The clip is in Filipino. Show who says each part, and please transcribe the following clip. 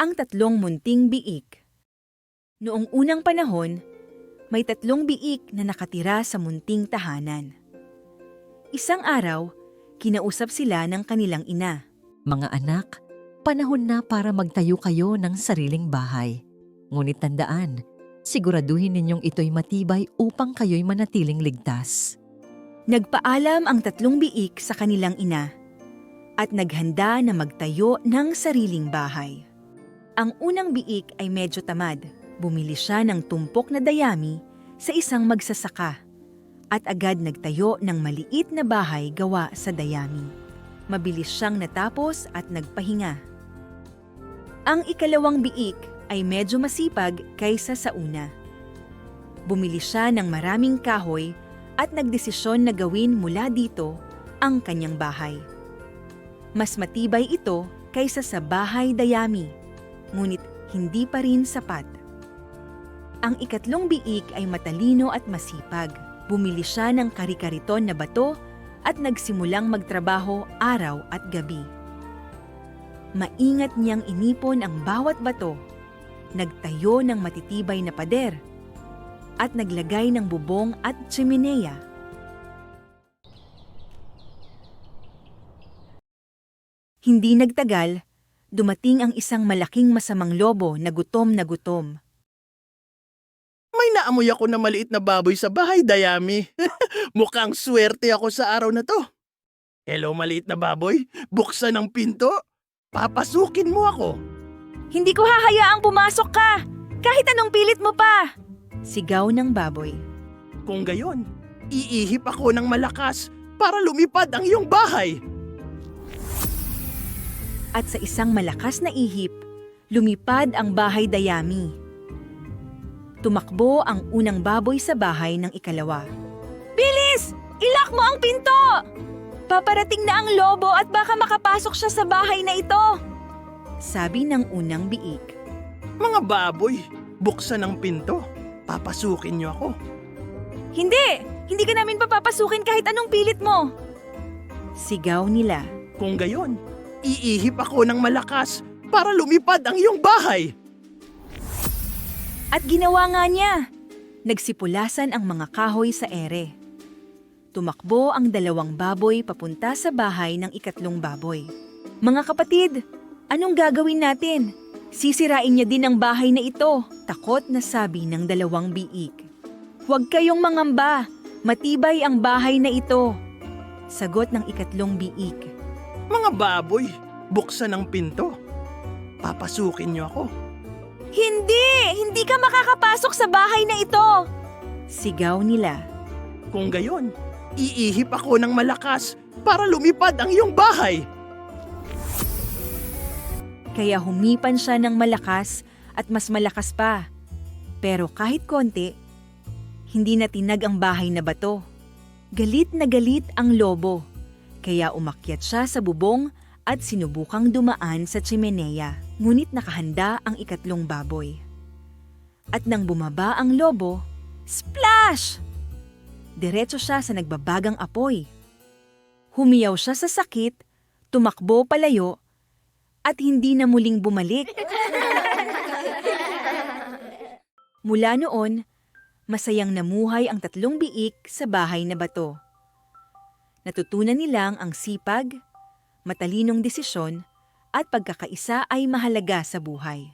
Speaker 1: Ang tatlong munting biik. Noong unang panahon, may tatlong biik na nakatira sa munting tahanan. Isang araw, kinausap sila ng kanilang ina.
Speaker 2: Mga anak, panahon na para magtayo kayo ng sariling bahay. Ngunit tandaan, siguraduhin ninyong ito'y matibay upang kayo'y manatiling ligtas.
Speaker 1: Nagpaalam ang tatlong biik sa kanilang ina at naghanda na magtayo ng sariling bahay. Ang unang biik ay medyo tamad. Bumili siya ng tumpok na dayami sa isang magsasaka at agad nagtayo ng maliit na bahay gawa sa dayami. Mabilis siyang natapos at nagpahinga. Ang ikalawang biik ay medyo masipag kaysa sa una. Bumili siya ng maraming kahoy at nagdesisyon na gawin mula dito ang kanyang bahay. Mas matibay ito kaysa sa bahay dayami, ngunit hindi pa rin sapat. Ang ikatlong biik ay matalino at masipag. Bumili siya ng kari-kariton na bato at nagsimulang magtrabaho araw at gabi. Maingat niyang inipon ang bawat bato, nagtayo ng matitibay na pader, at naglagay ng bubong at tsimeneya. Hindi nagtagal, dumating ang isang malaking masamang lobo na gutom na gutom.
Speaker 3: May naamoy ako na maliit na baboy sa bahay, Dayami. Mukhang swerte ako sa araw na to. Hello, maliit na baboy. Buksan ang pinto. Papasukin mo ako.
Speaker 1: Hindi ko hahayaang pumasok ka! Kahit anong pilit mo pa! Sigaw ng baboy.
Speaker 3: Kung gayon, iihip ako ng malakas para lumipad ang iyong bahay.
Speaker 1: At sa isang malakas na ihip, lumipad ang bahay dayami. Tumakbo ang unang baboy sa bahay ng ikalawa. Bilis! Ilak mo ang pinto! Paparating na ang lobo at baka makapasok siya sa bahay na ito! Sabi ng unang biik.
Speaker 3: Mga baboy, buksan ang pinto. Papasukin niyo ako.
Speaker 1: Hindi! Hindi ka namin papapasukin kahit anong pilit mo! Sigaw nila.
Speaker 3: Kung gayon, iihip ako ng malakas para lumipad ang iyong bahay.
Speaker 1: At ginawa nga niya. Nagsipulasan ang mga kahoy sa ere. Tumakbo ang dalawang baboy papunta sa bahay ng ikatlong baboy. Mga kapatid, anong gagawin natin? Sisirain niya din ang bahay na ito, takot na sabi ng dalawang biik. Huwag kayong mangamba, matibay ang bahay na ito. Sagot ng ikatlong biik.
Speaker 3: Mga baboy, buksan ang pinto. Papasukin niyo ako.
Speaker 1: Hindi! Hindi ka makakapasok sa bahay na ito! Sigaw nila.
Speaker 3: Kung gayon, iihip ako ng malakas para lumipad ang iyong bahay.
Speaker 1: Kaya humipan siya ng malakas at mas malakas pa. Pero kahit konti, hindi na tinag ang bahay na bato. Galit na galit ang lobo. Kaya umakyat siya sa bubong at sinubukang dumaan sa tsimeneya. Ngunit nakahanda ang ikatlong baboy. At nang bumaba ang lobo, splash! Diretso siya sa nagbabagang apoy. Humiyaw siya sa sakit, tumakbo palayo, at hindi na muling bumalik. Mula noon, masayang namuhay ang tatlong biik sa bahay na bato. Natutunan nilang ang sipag, matalinong desisyon, at pagkakaisa ay mahalaga sa buhay.